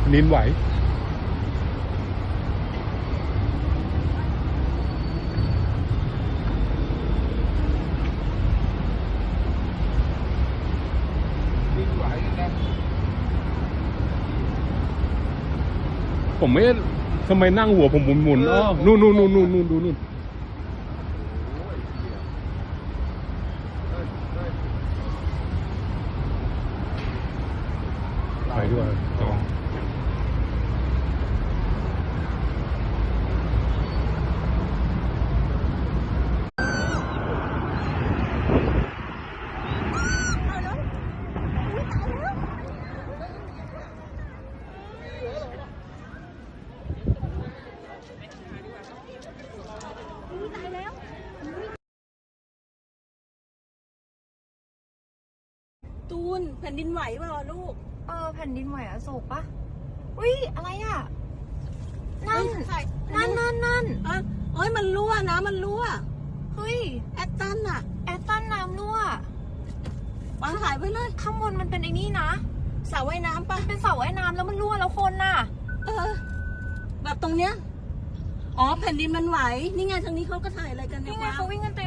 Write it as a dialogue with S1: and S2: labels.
S1: ดินไหวผมไม่ทำไมนั่งหัวผมหมุนๆอ๋อนู่นดูนู่นไปด้วยจอง
S2: ตูนแผ่นดินไหวเปล่าลูก
S3: แผ่นดินไหวอโศกปะอุ้ยอะไรอ่ะ นั่น
S2: เอ้ยมันรั่วนะมันรั่ว
S3: เฮ้ย
S2: แอตตันอะ
S3: แอตตันน้ำรั่ว
S2: วางถ่ายไว้เลย
S3: ข้างบนมันเป็นไอ้นี่นะ
S2: สระว่ายน้ำปะ
S3: เป็นเสาว่ายน้ำแล้วมันรั่วแล้วคนน่ะ
S2: แบบตรงเนี้ยอ๋อแผ่นดินมันไหวนี่ไงทางนี้เขาก็ถ่ายอะไรกันเนี่ย
S3: นี่ไงเขาวิ่งกันเต็ม